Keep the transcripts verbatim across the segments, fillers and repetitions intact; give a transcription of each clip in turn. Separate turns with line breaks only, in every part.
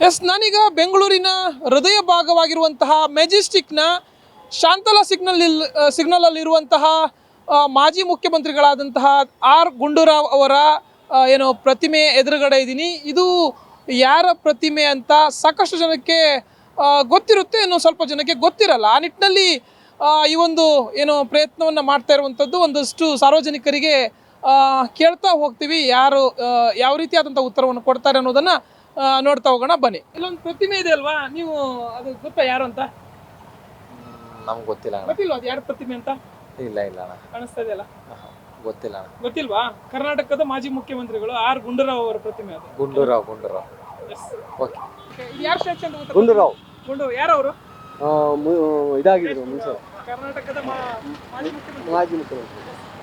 S ನಾನೀಗ ಬೆಂಗಳೂರಿನ ಹೃದಯ ಭಾಗವಾಗಿರುವಂತಹ ಮೆಜೆಸ್ಟಿಕ್ನ ಶಾಂತಲಾ ಸಿಗ್ನಲ್ ಸಿಗ್ನಲಲ್ಲಿರುವಂತಹ ಮಾಜಿ ಮುಖ್ಯಮಂತ್ರಿಗಳಾದಂತಹ ಆರ್ ಗುಂಡೂರಾವ್ ಅವರ ಏನು ಪ್ರತಿಮೆ ಎದುರುಗಡೆ ಇದ್ದೀನಿ. ಇದು ಯಾರ ಪ್ರತಿಮೆ ಅಂತ ಸಾಕಷ್ಟು ಜನಕ್ಕೆ ಗೊತ್ತಿರುತ್ತೆ, ಇನ್ನು ಸ್ವಲ್ಪ ಜನಕ್ಕೆ ಗೊತ್ತಿರಲ್ಲ. ಆ ನಿಟ್ಟಿನಲ್ಲಿ ಈ ಒಂದು ಏನು ಪ್ರಯತ್ನವನ್ನು ಮಾಡ್ತಾ ಇರುವಂಥದ್ದು ಒಂದಷ್ಟು ಸಾರ್ವಜನಿಕರಿಗೆ ಕೇಳ್ತಾ ಹೋಗ್ತೀವಿ, ಯಾರು ಯಾವ ರೀತಿಯಾದಂಥ ಉತ್ತರವನ್ನು ಕೊಡ್ತಾರೆ ಅನ್ನೋದನ್ನು ನೋಡ್ತಾ ಹೋಗೋಣ ಬನ್ನಿ. ಇಲ್ಲೊಂದು ಪ್ರತಿಮೆ ಇದೆ ಅಲ್ವಾ, ನೀವು ಅದು ಗೊತ್ತಾ ಯಾರು ಅಂತ?
ನಮ್ಗೆ ಗೊತ್ತಿಲ್ಲ.
ಗೊತ್ತಿಲ್ವಾ ಅದು ಯಾರ ಪ್ರತಿಮೆ ಅಂತ?
ಇಲ್ಲ ಇಲ್ಲ ಅಣ್ಣ,
ಕಾಣಿಸ್ತಾ ಇದೆಯಲ್ಲ,
ಗೊತ್ತಿಲ್ಲ.
ಗೊತ್ತಿಲ್ವಾ? ಕರ್ನಾಟಕದ ಮಾಜಿ ಮುಖ್ಯಮಂತ್ರಿಗಳು ಆರ್ ಗುಂಡೂರಾವ್ ಅವರ ಪ್ರತಿಮೆ ಅದು.
ಗುಂಡೂರಾವ್ ಗುಂಡೂರಾವ್
ಓಕೆ, ಯಾರು ಸ್ಟ್ಯಾಚ್ಯೂ ಅಂತ ಗೊತ್ತಾ?
ಗುಂಡೂರಾವ್
ಗುಂಡೂರಾವ್ ಯಾರು ಅವರು?
ಇದಾಗಿದ್ರು ಮುಂಚೆ
ಕರ್ನಾಟಕದ ಮಾಜಿ ಮುಖ್ಯಮಂತ್ರಿ.
ಮಾಜಿ ಮುಖ್ಯಮಂತ್ರಿ.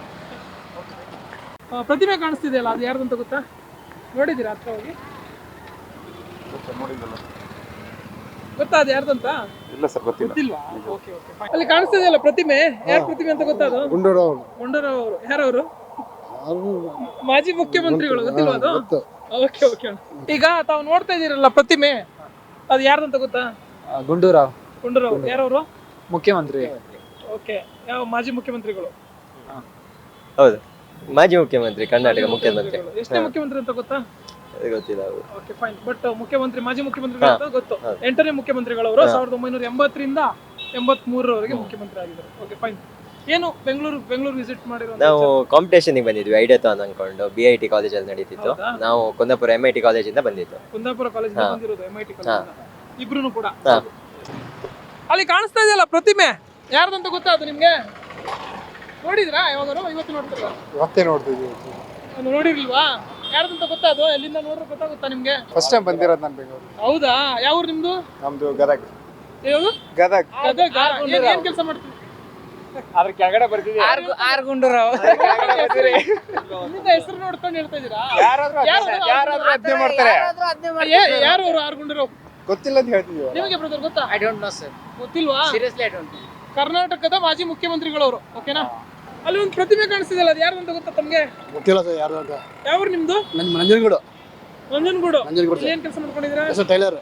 ಪ್ರತಿಮೆ ಕಾಣಿಸ್ತಿದೆಯಲ್ಲ, ಅದು ಯಾರ್ದು ಅಂತ ಗೊತ್ತಾ? ನೋಡಿದ್ದೀರಾ ಹತ್ರ ಹೋಗಿ? ಗೊತ್ತಾ ಅದು ಯಾರ್ದಂತ?
ಇಲ್ಲ ಸರ್, ಗೊತ್ತಿಲ್ಲ.
ಗೊತ್ತಿಲ್ವಾ? Okay okay. ಅಲ್ಲಿ ಕಾಣಿಸ್ತಿದೆಯಲ್ಲ ಪ್ರತಿಮೆ, ಯಾರ ಪ್ರತಿಮೆ ಅಂತ ಗೊತ್ತಾ? ಅದು
ಗುಂಡೂರಾವ್.
ಗುಂಡೂರಾವ್ ಅವರು ಯಾರವರು? ಮಾಜಿ ಮುಖ್ಯಮಂತ್ರಿಗಳು. ಗೊತ್ತಿಲ್ವಾ ಅದು? Okay okay. ಈಗ ತಾವು ನೋಡ್ತಾ ಇದೀರಲ್ಲ ಪ್ರತಿಮೆ, ಅದು ಯಾರ್ದಂತ ಗೊತ್ತಾ?
ಗುಂಡೂರಾವ್.
ಗುಂಡೂರಾವ್ ಯಾರವರು?
ಮುಖ್ಯಮಂತ್ರಿ.
ಓಕೆ, ಯಾವ ಮಾಜಿ ಮುಖ್ಯಮಂತ್ರಿಗಳು?
ಹೌದು, ಮಾಜಿ ಮುಖ್ಯಮಂತ್ರಿ, ಕರ್ನಾಟಕ ಮುಖ್ಯಮಂತ್ರಿ.
ಎಷ್ಟನೇ ಮುಖ್ಯಮಂತ್ರಿ ಅಂತ ಗೊತ್ತಾ?
ಗೊತ್ತಿಲ್ಲ.
Okay fine. ಬಟ್ ಮುಖ್ಯಮಂತ್ರಿ, ಮಾಜಿ ಮುಖ್ಯಮಂತ್ರಿಗಳು ಅಂತ ಗೊತ್ತು. ಎಂಟನೇ ಮುಖ್ಯಮಂತ್ರಿಗಳವರು ಸಾವಿರದ ಒಂಬೈನೂರ ಎಂಬತ್ತರಿಂದ ಎಂಬತ್ ಮೂರರವರೆಗೆ ಮುಖ್ಯಮಂತ್ರಿ ಆಗಿದ್ದಾರೆ. Okay fine. ಏನು ಬೆಂಗಳೂರು ಬೆಂಗಳೂರು ವಿಸಿಟ್ ಮಾಡಿರೋ?
ನಾವು ಕಾಂಪಿಟೇಷನ್ ಬಂದಿದ್ವಿ, ಐಡಿಯಾಥಾನ್ ಅನ್ಕೊಂಡು. ಬಿ ಐ ಟಿ ಕಾಲೇಜಲ್ಲಿ ನಡೀತಿತ್ತು. ನಾವು ಕುಂದಾಪುರ ಎಂ ಐ ಟಿ ಕಾಲೇಜಿಂದ ಬಂದಿತ್ತು.
ಕುಂದಾಪುರ ಕಾಲೇಜ್ ಬಂದಿರೋದು, ಎಂ ಐ ಟಿ ಕಾಲೇಜ್. ಇಬ್ರು ಕೂಡ. ಅಲ್ಲಿ ಕಾಣಿಸ್ತಾ ಇದೆಯಲ್ಲ ಪ್ರತಿಮೆ, ಯಾರ್ದಂತ ಗೊತ್ತಾ ಅದು ನಿಮ್ಗೆ? ನೋಡಿದ್ರಾ ಯಾವಾಗಾರು? ಇವತ್ತು ನೋಡ್ತೀರಾ?
ಇವತ್ತೇ ನೋಡ್ತಿದ್ವಿ.
ನೋಡಿರ್ಲಿಲ್ವಾ? ಯಾರ್ದಂತ ಗೊತ್ತಾ ಅದು? ಎಲ್ಲಿಂದ ನೋಡ್ರೆ ಗೊತ್ತಾಗುತ್ತಾ ನಿಮ್ಗೆ?
ಫಸ್ಟ್ ಟೈಮ್ ಬಂದಿರೋದು ನಾನು ಬೆಂಗಳೂರು.
ಹೌದಾ? ಯಾವ ಊರು ನಿಮ್ದು?
ನಮ್ದು ಗದಗ್.
ಯಾವುದು?
ಗದಗ್.
ಗದಗ. ಏನ್ ಕೆಲಸ ಮಾಡ್ತೀವಿ?
ಅದ್ರ ಕೆಳಗಡೆ ಬರ್ತಿದ್ವಿ.
ಆರ್ ಗುಂಡೂರಾವ್.
ನಿಮ್ಮಿಂದ ಹೆಸರು ನೋಡ್ಕೊಂಡು ಹೇಳ್ತಾ ಇದೀರಾ?
ಯಾರಾದ್ರೂ ಯಾರಾದ್ರೂ ಅದ್ನೇ ಮಾಡ್ತಾರೆ.
ಯಾರು ಅವರು ಆರ್ ಗುಂಡೂರಾವ್?
ಗೊತ್ತಿಲ್ಲ ಅಂತ ಹೇಳ್ತಿದ್ವಿ.
ನಿಮಗೆ ಬ್ರದರ್ ಗೊತ್ತಾ?
I don't know sir.
ಗೊತ್ತಿಲ್ವಾ?
Seriously I don't know.
ಕರ್ನಾಟಕದ ಮಾಜಿ ಮುಖ್ಯಮಂತ್ರಿಗಳವರು. ಓಕೆನಾ? ಅಲ್ಲಿ ಒಂದು ಪ್ರತಿಮೆ ಕಾಣಿಸ್ತಿದೆಯಲ್ಲ, ಅದು ಯಾರು ಅಂತ ಗೊತ್ತಾ ತಮ್ಗೆ?
ಗೊತ್ತಿಲ್ಲ ಸರ್ ಯಾರು ಅಂತ.
ಯಾವ ಊರು ನಿಮ್ದು?
ನನ್ನ ನಂಜನಗೂಡು.
ನಂಜನಗೂಡು.
ನಂಜನಗೂಡು.
ಏನ್ ಕೆಲಸ ಮಾಡ್ಕೊಂಡಿದ್ದೀರಾ?
Sir tailor.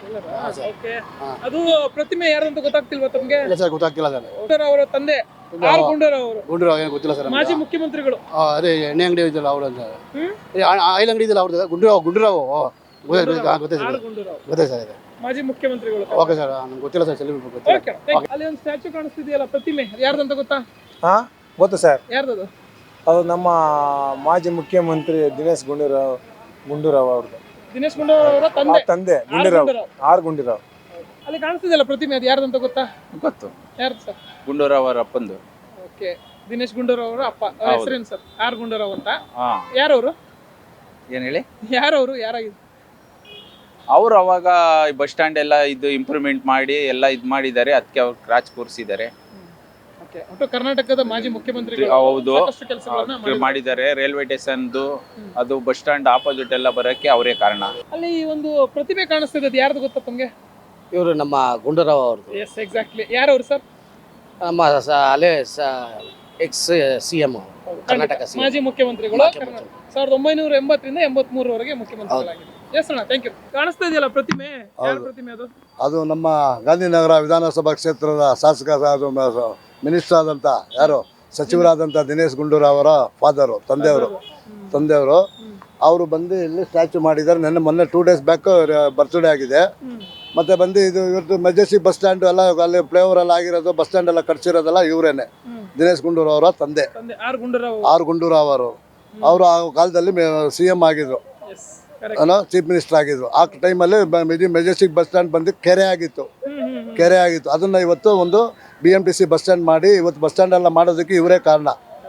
ಓಕೆ. ಅದು ಪ್ರತಿಮೆ ಯಾರು ಅಂತ ಗೊತ್ತಾಗ್ತಿಲ್ವಾ ತಮ್ಗೆ?
ಇಲ್ಲ ಸರ್, ಗೊತ್ತಾಗ್ತಿಲ್ಲ ಸರ್.
ಗುಂಡೂರಾವ್ ಅವರ ತಂದೆ ಆರ್ ಗುಂಡೂರಾವ್ ಅವರು.
ಗುಂಡೂರಾವ್ ಏನು ಗೊತ್ತಿಲ್ಲ ಸರ್.
ಮಾಜಿ ಮುಖ್ಯಮಂತ್ರಿಗಳು.
ಅದೇ ಎಣ್ಣೆ ಅಂಗಡಿ ಇದೆಯಲ್ಲ ಅವ್ರ
ಹ್ಮ್
ಆಯಿಲ್ ಅಂಗಡಿ ಇದೆಯಲ್ಲ ಅವ್ರದ್ದು. ಗುಂಡೂರಾವ್ ಗುಂಡೂರಾವ್ ಗೊತ್ತೈತೆ
ಆರ್ ಗುಂಡೂರಾವ್
ಗೊತ್ತೈತೆ ಸರ್. ಇದೆ
ಮಾಜಿ ಮುಖ್ಯಮಂತ್ರಿಗಳು.
ಓಕೆ ಸರ್, ನಂಗೆ ಗೊತ್ತಿಲ್ಲ ಸರ್. ಸೆಲೆಬ್ರಿಟಿ ಗೊತ್ತಿಲ್ಲ.
ಓಕೆ. ಅಲ್ಲಿ ಒಂದು ಸ್ಟ್ಯಾಚ್ಯೂ ಕಾಣಿಸ್ತಿದೆಯಲ್ಲ ಪ್ರತಿಮೆ, ಯಾರ್ದಂತ ಗೊತ್ತಾ?
ಹಾ ಗೊತ್ತು ಸರ್.
ಯಾರ್ದದು?
ಅದು ನಮ್ಮ ಮಾಜಿ ಮುಖ್ಯಮಂತ್ರಿ ದಿನೇಶ್ ಗುಂಡೂರಾವ್ ಗುಂಡೂರಾವ್ ಅವ್ರದ್ದು.
ದಿನೇಶ್ ಗುಂಡೂರಾವ್ ಅವರ ತಂದೆ
ತಂದೆ ಗುಂಡೂರಾವ್, ಆರ್ ಗುಂಡೂರಾವ್.
ಅಲ್ಲಿ ಕಾಣಿಸ್ತಿದೆಯಲ್ಲ ಪ್ರತಿಮೆ, ಅದು ಯಾರ್ದಂತ ಗೊತ್ತಾ?
ಗೊತ್ತು,
ಯಾರ್ದು ಸರ್?
ಗುಂಡೂರಾವ್ ಅವರ ಅಪ್ಪಂದು.
ಓಕೆ. ದಿನೇಶ್ ಗುಂಡೂರಾವ್ ಅವರ ಅಪ್ಪ ಹೆಸರೇನು ಸರ್? ಆರ್ ಗುಂಡೂರಾವ್ ಅಂತ.
ಹಾ,
ಯಾರವರು?
ಏನ್ ಹೇಳಿ?
ಯಾರವರು? ಯಾರಾಗಿದ್ರು
ಅವರು? ಅವಾಗ ಬಸ್ ಸ್ಟ್ಯಾಂಡ್ ಎಲ್ಲ ಇದು ಇಂಪ್ರೂವ್ಮೆಂಟ್ ಮಾಡಿ ಎಲ್ಲ ಇದು ಮಾಡಿದ್ದಾರೆ, ಅದಕ್ಕೆ ಅವ್ರು ಕ್ರಾಚ್ ಕೂರಿಸಿದ್ದಾರೆ.
ಒಟ್ಟು ಕರ್ನಾಟಕದ ಮಾಜಿ ಮುಖ್ಯಮಂತ್ರಿಗಳು.
ಹೌದು,
ಸಾಕಷ್ಟು ಕೆಲಸಗಳನ್ನ
ಮಾಡಿದ್ದಾರೆ. ರೈಲ್ವೆ ಸ್ಟೇಷನ್ದು ಅದು ಬಸ್ ಸ್ಟ್ಯಾಂಡ್ ಆಪೋಸಿಟ್ ಎಲ್ಲ ಬರೋಕ್ಕೆ ಅವರೇ ಕಾರಣ.
ಅಲ್ಲಿ ಒಂದು ಪ್ರತಿಮೆ ಕಾಣಿಸ್ತಿದೆ, ಅದು ಯಾರ್ದು ಗೊತ್ತಾ ತಮ್ಗೆ?
ಇವರು ನಮ್ಮ ಗುಂಡೂರಾವ್ ಅವ್ರದ್ದು.
Yes exactly. ಯಾರವರು ಸರ್?
ನಮ್ಮ ಅಲ್ಲೇ ಎಕ್ಸ್ ಸಿ ಎಂ ಕರ್ನಾಟಕ
ಮಾಜಿ ಮುಖ್ಯಮಂತ್ರಿಗಳು. ಸಾವಿರದ ಒಂಬೈನೂರ ಎಂಬತ್ತರಿಂದ ಎಂಬತ್ ಮೂರವರೆಗೆ ಮುಖ್ಯಮಂತ್ರಿಗಳಾಗಿದ್ದಾರೆ. ಎಸ್ ಅಣ್ಣ, ಥ್ಯಾಂಕ್ ಯು. ಕಾಣಿಸ್ತಾ ಇದೆಯಲ್ಲ ಪ್ರತಿಮೆ, ಯಾರ ಪ್ರತಿಮೆ ಅದು?
ಅದು ನಮ್ಮ ಗಾಂಧಿನಗರ ವಿಧಾನಸಭಾ ಕ್ಷೇತ್ರದ ಶಾಸಕ, ಮಿನಿಸ್ಟರ್ ಆದಂಥ ಯಾರು ಸಚಿವರಾದಂಥ ದಿನೇಶ್ ಗುಂಡೂರಾವ್ ಅವರ ಫಾದರು, ತಂದೆಯವರು ತಂದೆಯವರು ಅವರು ಬಂದು ಇಲ್ಲಿ ಸ್ಟ್ಯಾಚ್ಯೂ ಮಾಡಿದ್ದಾರೆ. ನೆನ್ನೆ ಮೊನ್ನೆ ಟೂ ಡೇಸ್ ಬ್ಯಾಕ್ ಬರ್ತ್ಡೇ ಆಗಿದೆ. ಮತ್ತೆ ಬಂದು ಇದು ಇವ್ರದ್ದು ಮೆಜೆಸ್ಟಿಕ್ ಬಸ್ ಸ್ಟ್ಯಾಂಡ್ ಎಲ್ಲ ಅಲ್ಲಿ ಫ್ಲೇವರ್ ಎಲ್ಲ ಆಗಿರೋದು, ಬಸ್ ಸ್ಟ್ಯಾಂಡ್ ಎಲ್ಲ ಕಟ್ಸಿರೋದೆಲ್ಲ ಇವರೇನೆ, ದಿನೇಶ್ ಗುಂಡೂರಾವ್ ಅವರ ತಂದೆ
ಆರ್ ಗುಂಡೂರಾವ್.
ಆರ್ ಗುಂಡೂರಾವ್ ಅವರು. ಅವರು ಆ ಕಾಲದಲ್ಲಿ ಸಿ ಎಂ ಆಗಿದ್ರು, ಏನೋ ಚೀಫ್ ಮಿನಿಸ್ಟರ್ ಆಗಿದ್ರು. ಆ ಟೈಮಲ್ಲಿ ಮೆಜೆಸ್ಟಿಕ್ ಬಸ್ ಸ್ಟ್ಯಾಂಡ್ ಬಂದು ಕೆರೆ ಆಗಿತ್ತು, ಕೆರೆ ಆಗಿತ್ತು. ಅದನ್ನು ಇವತ್ತು ಒಂದು B M T C bus stand ಮಾಡಿ ಇವತ್ತು ಬಸ್ ಸ್ಟ್ಯಾಂಡ್ ಎಲ್ಲ ಮಾಡೋದಕ್ಕೆ ಇವರೇ ಕಾರಣ.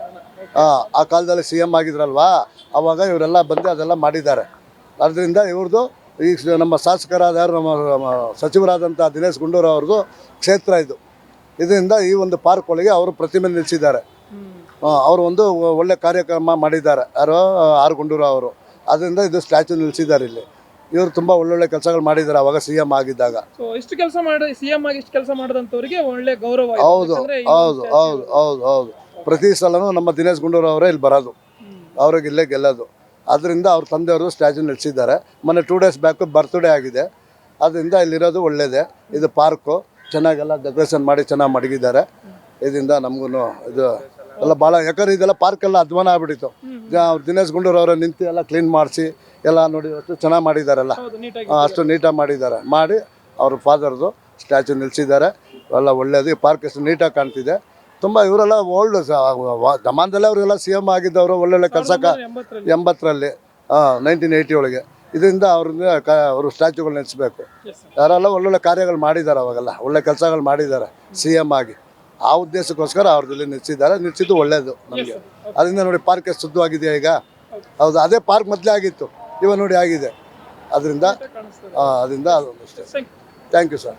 ಆ ಕಾಲದಲ್ಲಿ ಸಿ ಎಂ ಆಗಿದ್ರಲ್ವಾ, ಅವಾಗ ಇವರೆಲ್ಲ ಬಂದು ಅದೆಲ್ಲ ಮಾಡಿದ್ದಾರೆ. ಅದರಿಂದ ಇವ್ರದ್ದು ಈಗ ನಮ್ಮ ಶಾಸಕರಾದ ಯಾರು ನಮ್ಮ ಸಚಿವರಾದಂಥ ದಿನೇಶ್ ಗುಂಡೂರಾವ್ ಅವ್ರದ್ದು ಕ್ಷೇತ್ರ ಇದು. ಇದರಿಂದ ಈ ಒಂದು ಪಾರ್ಕ್ ಒಳಗೆ ಅವರು ಪ್ರತಿಮೆ ನಿಲ್ಲಿಸಿದ್ದಾರೆ. ಅವರು ಒಂದು ಒಳ್ಳೆ ಕಾರ್ಯಕ್ರಮ ಮಾಡಿದ್ದಾರೆ, ಯಾರು ಆರ್ ಗುಂಡೂರಾವ್ ಅವರು. ಅದರಿಂದ ಇದು ಸ್ಟ್ಯಾಚ್ಯೂ ನಿಲ್ಲಿಸಿದ್ದಾರೆ ಇಲ್ಲಿ. ಇವರು ತುಂಬಾ ಒಳ್ಳೊಳ್ಳೆ ಕೆಲಸಗಳು ಮಾಡಿದ್ದಾರೆ ಅವಾಗ ಸಿಎಂ ಆಗಿದ್ದಾಗ.
ಇಷ್ಟು ಕೆಲಸ ಮಾಡಿ ಸಿಎಂ ಆಗಿ ಇಷ್ಟು ಕೆಲಸ ಮಾಡಿದಂತವರಿಗೆ ಒಳ್ಳೆ ಗೌರವ.
ಹೌದು ಹೌದು ಹೌದು ಹೌದು ಹೌದು. ಪ್ರತಿ ಸಲನೂ ನಮ್ಮ ದಿನೇಶ್ ಗುಂಡೂರಾವ್ ಅವರೇ ಇಲ್ಲಿ ಬರೋದು, ಅವ್ರಿಗೆ ಇಲ್ಲೇ ಗೆಲ್ಲೋದು. ಅದರಿಂದ ಅವ್ರ ತಂದೆಯವರು ಸ್ಟ್ಯಾಚ್ಯೂ ನಿಲ್ಲಿಸಿದ್ದಾರೆ. ಮೊನ್ನೆ ಟೂ ಡೇಸ್ ಬ್ಯಾಕ್ ಬರ್ತ್ಡೇ ಆಗಿದೆ. ಅದರಿಂದ ಇಲ್ಲಿರೋದು ಒಳ್ಳೇದೇ. ಇದು ಪಾರ್ಕು ಚೆನ್ನಾಗೆಲ್ಲ ಡೆಕೋರೇಷನ್ ಮಾಡಿ ಚೆನ್ನಾಗಿ ಮಡಗಿದ್ದಾರೆ. ಇದರಿಂದ ನಮಗೂ ಇದು ಎಲ್ಲ ಭಾಳ, ಯಾಕಂದ್ರೆ ಇದೆಲ್ಲ ಪಾರ್ಕೆಲ್ಲ ಅಧ್ವಾನ ಆಗ್ಬಿಟ್ಟಿತ್ತು. ಜ- ದಿನೇಶ್ ಗುಂಡೂರು ಅವರ ನಿಂತು ಎಲ್ಲ ಕ್ಲೀನ್ ಮಾಡಿಸಿ ಎಲ್ಲ ನೋಡಿ ಅಷ್ಟು ಚೆನ್ನಾಗಿ ಮಾಡಿದ್ದಾರಲ್ಲ, ಆ, ಅಷ್ಟು ನೀಟಾಗಿ ಮಾಡಿದ್ದಾರೆ. ಮಾಡಿ ಅವ್ರ ಫಾದರ್ದು ಸ್ಟ್ಯಾಚು ನಿಲ್ಲಿಸಿದ್ದಾರೆ. ಎಲ್ಲ ಒಳ್ಳೇದು. ಈ ಪಾರ್ಕ್ ಎಷ್ಟು ನೀಟಾಗಿ ಕಾಣ್ತಿದೆ. ತುಂಬ ಇವರೆಲ್ಲ ಓಲ್ಡ್ ಜಮಾನದಲ್ಲೇ ಅವರೆಲ್ಲ ಸಿ ಎಮ್ ಆಗಿದ್ದವರು, ಒಳ್ಳೊಳ್ಳೆ ಕೆಲಸ ಎಂಬತ್ತರಲ್ಲಿ ನೈನ್ಟೀನ್ ಏಯ್ಟಿ ಒಳಗೆ. ಇದರಿಂದ ಅವ್ರನ್ನ ಕ ಅವರು ಸ್ಟ್ಯಾಚುಗಳು ನೆಲೆಸಬೇಕು. ಯಾರೆಲ್ಲ ಒಳ್ಳೊಳ್ಳೆ ಕಾರ್ಯಗಳು ಮಾಡಿದ್ದಾರೆ, ಅವಾಗೆಲ್ಲ ಒಳ್ಳೆ ಕೆಲಸಗಳು ಮಾಡಿದ್ದಾರೆ ಸಿ ಎಮ್ ಆಗಿ. ಆ ಉದ್ದೇಶಕ್ಕೋಸ್ಕರ ಅವ್ರದಲ್ಲಿ ನಿಲ್ಲಿಸಿದ್ದಾರೆ. ನಿಲ್ಲಿಸಿದ್ದು ಒಳ್ಳೇದು ನಮಗೆ. ಅದರಿಂದ ನೋಡಿ ಪಾರ್ಕ್ ಎಷ್ಟು ಶುದ್ಧವಾಗಿದೆಯಾ ಈಗ. ಹೌದು, ಅದೇ ಪಾರ್ಕ್ ಮೊದಲೇ ಆಗಿತ್ತು, ಇವಾಗ ನೋಡಿ ಆಗಿದೆ. ಅದರಿಂದ ಅದರಿಂದ ಅದು ಅಷ್ಟೇ. Thank you sir.